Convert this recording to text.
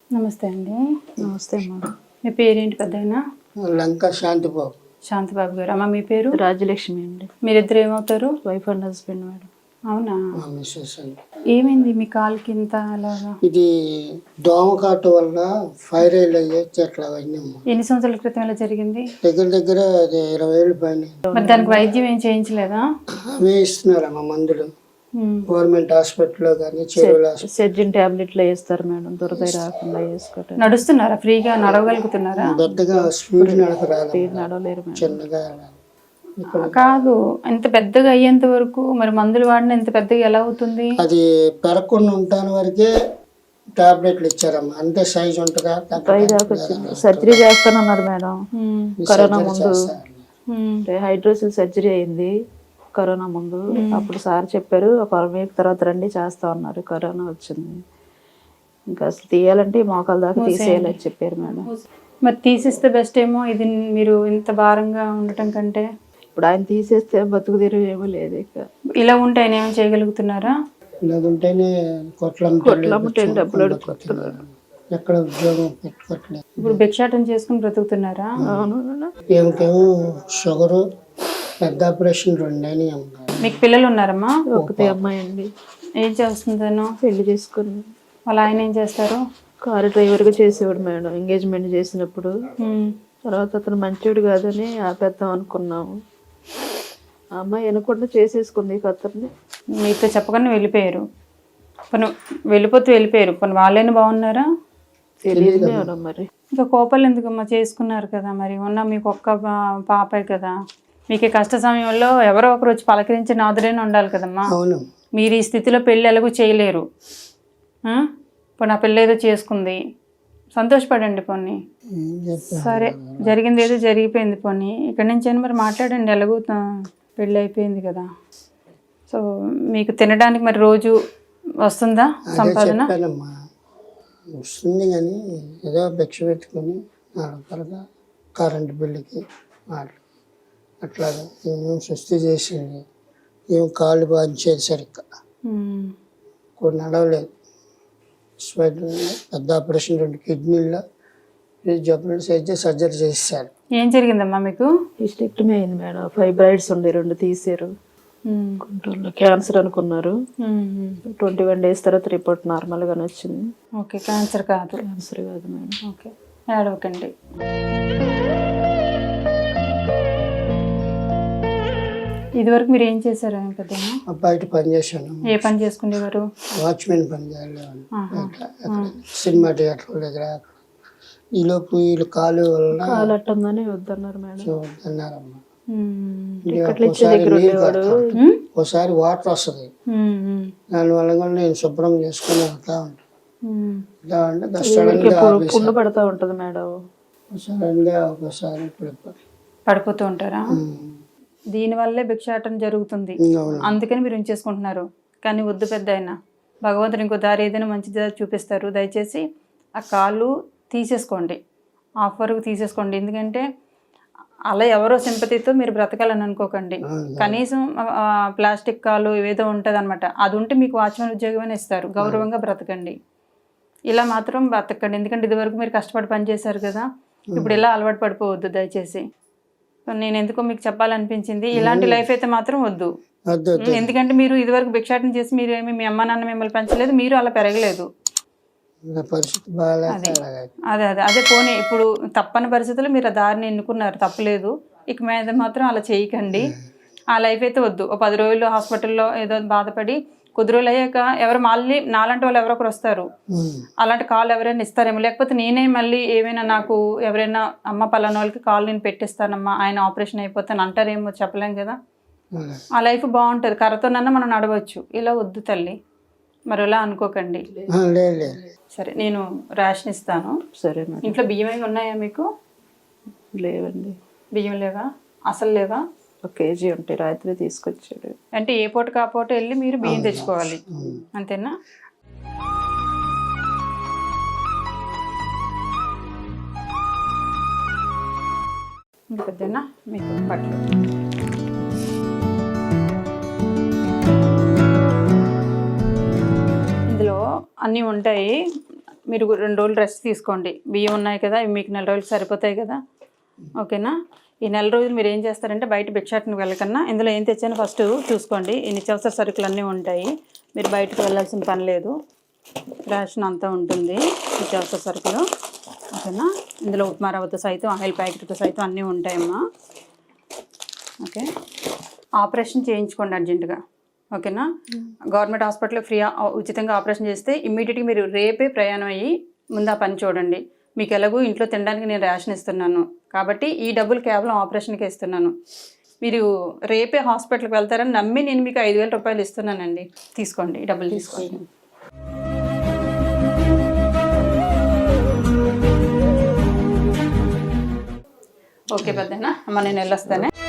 నమస్తే అండి. నమస్తే అమ్మా. మీ పేరేంటి పెద్దయినా? లంక శాంతిబాబు. శాంతిబాబు గారు. అమ్మ మీ పేరు? రాజ్యలక్ష్మి అండి. మీరిద్దరు ఏమవుతారు? Wife and husband madam. అవునా? మా మిస్సెస్ అండి. ఏమైంది మీ కాలుకి ఇంత అలాగా? ఇది దోమకాటు వల్ల ఫైర్ అయ్యేది అట్లా అయినాము. ఎన్ని సంవత్సరాల క్రితం ఇలా జరిగింది? దగ్గర దగ్గర అది 20 ఏళ్ళు పైన. మరి దానికి వైద్యం ఏం చేయించలేదా? అవే ఇస్తున్నారమ్మా మందులు, గవర్నమెంట్ హాస్పిటల్లో కానీ చెరువుల సెర్జిన్ టాబ్లెట్లు వేస్తారు మేడం, దురద రాకుండా వేసుకోవటం. నడుస్తున్నారా? ఫ్రీగా నడవగలుగుతున్నారా? పెద్దగా స్పీడ్ నడక రాదు, నడవలేరు మేడం. చిన్నగా కాదు, ఇంత పెద్దగా అయ్యేంత వరకు మరి మందులు వాడిన ఇంత పెద్దగా ఎలా అవుతుంది? అది పెరగకుండా ఉంటాను వరకే టాబ్లెట్లు ఇచ్చారమ్మా. అంతే సైజ్ ఉంటుందా? సర్జరీ చేస్తానన్నారు మేడం. కరోనా ముందు చేస్తారు. హైడ్రోసిల్ సర్జరీ అయింది కరోనా ముందు. అప్పుడు సార్ చెప్పారు ఒక 1 వీక్ తర్వాత రండి చేస్తా ఉన్నారు. కరోనా వచ్చింది, ఇంకా అసలు తీయాలంటే మోకాల దాకా తీసేయాలని చెప్పారు మేడం. మరి తీసిస్తే బెస్ట్ ఏమో. ఇది మీరు ఇంత భారంగా ఉండటం కంటే ఇప్పుడు ఆయన తీసేస్తే బతుకు తెరువు ఏమో లేదు. ఇక ఇలా ఉంటే ఆయన ఏమైనా చేయగలుగుతున్నారా? ఇలాగుంటేనే కొట్లమ్మటే డబ్బులు అడుగుతున్నారు. ఎక్కడ ఉద్యోగం పెట్టుకోవట్లేదు. ఇప్పుడు భిక్షాటన చేసుకుని బ్రతుకుతున్నారా? ఏమికేమో షుగరు, పెద్ద ఆపరేషన్ 2 అయినాయి అమ్మా. మీకు పిల్లలు ఉన్నారమ్మా? ఒకతే అమ్మాయి అండి. ఏం చేస్తుంది తను? పెళ్లి చేసుకుని. వాళ్ళ ఆయన ఏం చేస్తారు? కారు డ్రైవర్గా చేసేవాడు మేడం ఎంగేజ్మెంట్ చేసినప్పుడు. తర్వాత అతను మంచివాడు కాదని ఆపేద్దాం అనుకున్నాము. ఆ అమ్మాయి వినకుండా చేసేసుకుంది అతన్ని. మీతో చెప్పకుండా వెళ్ళిపోయారు. పని వెళ్ళిపోయారు. పని వాళ్ళైనా బాగున్నారా? తెలియదు మేడం. మరి ఇంకా కోపాలు ఎందుకమ్మా? చేసుకున్నారు కదా, మరి ఉన్న మీకు ఒక్క పాపే కదా. మీకు ఈ కష్ట సమయంలో ఎవరో ఒకరు వచ్చి పలకరించి నాదురైనా ఉండాలి కదమ్మా. అవును. మీరు ఈ స్థితిలో పెళ్ళి ఎలాగూ చేయలేరు. ఇప్పుడు నా పెళ్ళి ఏదో చేసుకుంది, సంతోషపడండి పోనీ. సరే, జరిగింది ఏదో జరిగిపోయింది పోనీ. ఇక్కడి నుంచి అయినా మరి మాట్లాడండి. ఎలాగూ పెళ్ళి అయిపోయింది కదా. సో మీకు తినడానికి మరి రోజు వస్తుందా సంపాదన? చెప్పానమ్మా, వస్తుంది కానీ ఏదో భిక్ష పెట్టుకొని 4 రూపాయలుగా కరెంటు బిల్లుకి అట్లాగా ఏమేమి సృష్టి చేసింది. ఏం కాళ్ళు బాధించేది సరిగ్గా, కొన్ని నడవలేదు. పెద్ద ఆపరేషన్ 2 కిడ్నీల్లో జబ్బులు అయితే సర్జరీ చేశారు. ఏం జరిగిందమ్మా మీకు? హిస్టెక్టమీ అయింది మేడం. ఫైబ్రాయిడ్స్ ఉండే 2 తీసారు. గుంటూరులో క్యాన్సర్ అనుకున్నారు. 21 days తర్వాత రిపోర్ట్ నార్మల్ గానే వచ్చింది. ఓకే, క్యాన్సర్ కాదు. క్యాన్సర్ కాదు మేడం. ఓకే, ఏడవకండి. ఇదివరకు మీరు ఏం చేశారు పెద్దమ్మా? బయట పని చేశాను. ఏ పని చేసుకునేవారు? వాచ్మెన్ పని చేయాలి. సినిమా థియేటర్ దగ్గర. ఈలోపు వీళ్ళు కాలు వల్ల అట్టందని వద్దన్నారు మేడం. వద్దన్నారమ్మా. ఒకసారి వాటర్ వస్తుంది, దానివల్ల కూడా నేను శుభ్రం చేసుకుని వెళ్తా ఉంటాను. పుండు పడతా ఉంటది మేడం. సడన్ గా ఒకసారి పడిపోతూ ఉంటారా? దీనివల్లే భిక్షాటన జరుగుతుంది, అందుకని మీరు ఉంచేసుకుంటున్నారు. కానీ వద్దు పెద్ద అయినా, భగవంతుడు ఇంకో దారి ఏదైనా మంచి దారి చూపిస్తారు. దయచేసి ఆ కాళ్ళు తీసేసుకోండి, ఆఫ్ వరకు తీసేసుకోండి. ఎందుకంటే అలా ఎవరో సింపతితో మీరు బ్రతకాలని అనుకోకండి. కనీసం ప్లాస్టిక్ కాలు ఏదో ఉంటుంది అనమాట, అది ఉంటే మీకు వాచ్మెన్ ఉద్యోగమైనా ఇస్తారు. గౌరవంగా బ్రతకండి, ఇలా మాత్రం బ్రతకండి. ఎందుకంటే ఇదివరకు మీరు కష్టపడి పనిచేశారు కదా, ఇప్పుడు ఇలా అలవాటు పడిపోవద్దు దయచేసి. నేను ఎందుకో మీకు చెప్పాలనిపించింది. ఇలాంటి లైఫ్ అయితే మాత్రం వద్దు. ఎందుకంటే మీరు ఇదివరకు భిక్షాటన చేసి మీరు ఏమి మీ అమ్మ నాన్న మిమ్మల్ని పెంచలేదు, మీరు అలా పెరగలేదు. అదే అదే అదే పోనీ ఇప్పుడు తప్పని పరిస్థితుల్లో మీరు ఆ దారిని ఎన్నుకున్నారు, తప్పలేదు. ఇక మీద మాత్రం అలా చేయకండి. ఆ లైఫ్ అయితే వద్దు. ఒక 10 రోజులు హాస్పిటల్లో ఏదో బాధపడి కొద్ది రోజులు అయ్యాక ఎవరు మళ్ళీ నాలాంటి వాళ్ళు ఎవరో ఒకరు వస్తారు, అలాంటి కాల్ ఎవరైనా ఇస్తారేమో. లేకపోతే నేనే మళ్ళీ ఏమైనా నాకు ఎవరైనా అమ్మ పలానా వాళ్ళకి కాల్ నేను పెట్టిస్తానమ్మా, ఆయన ఆపరేషన్ అయిపోతాను అంటారేమో, చెప్పలేం కదా. ఆ లైఫ్ బాగుంటుంది, కర్రతోనన్నా మనం నడవచ్చు. ఇలా వద్దు తల్లి, మరి ఇలా అనుకోకండి. సరే, నేను రేషన్ ఇస్తాను. సరే. ఇంట్లో బియ్యం ఏమి ఉన్నాయా మీకు? లేవండి. బియ్యం లేవా? అసలు లేవా? 1 kg ఉంటాయి, రాత్రి తీసుకొచ్చాడు. అంటే ఏ పూటకు ఆ పూట వెళ్ళి మీరు బియ్యం తెచ్చుకోవాలి, అంతేనా? ఇంకా పెద్దనా మీకు బట్టలు ఇందులో అన్నీ ఉంటాయి. మీరు 2 రోజులు రెస్ట్ తీసుకోండి. బియ్యం ఉన్నాయి కదా, ఇవి మీకు 4 రోజులు సరిపోతాయి కదా, ఓకేనా. ఈ 4 రోజులు మీరు ఏం చేస్తారంటే బయట భిక్షాటనకి వెళ్ళకన్నా ఇందులో ఏం తెచ్చానో ఫస్ట్ చూసుకోండి. ఈ నిత్యావసర సరుకులు అన్నీ ఉంటాయి, మీరు బయటకు వెళ్ళాల్సిన పని లేదు. రేషన్ అంతా ఉంటుంది నిత్యావసర సరుకులు, ఓకేనా. ఇందులో ఉప్మా రవ్వతో సైతం ఆయిల్ ప్యాకెట్తో సైతం అన్నీ ఉంటాయమ్మా, ఓకే. ఆపరేషన్ చేయించుకోండి అర్జెంటుగా, ఓకేనా. గవర్నమెంట్ హాస్పిటల్లో ఉచితంగా ఆపరేషన్ చేస్తే ఇమ్మీడియట్గా మీరు రేపే ప్రయాణం అయ్యి ముందు ఆ పని చూడండి. మీకు ఎలాగో ఇంట్లో తినడానికి నేను రేషన్ ఇస్తున్నాను కాబట్టి ఈ డబ్బులు కేవలం ఆపరేషన్కి ఇస్తున్నాను. మీరు రేపే హాస్పిటల్కి వెళ్తారని నమ్మి నేను మీకు 5,000 రూపాయలు ఇస్తున్నానండి. తీసుకోండి, ఈ డబ్బులు తీసుకోండి. ఓకే పెద్దనా అమ్మ, నేను వెళ్ళొస్తానే.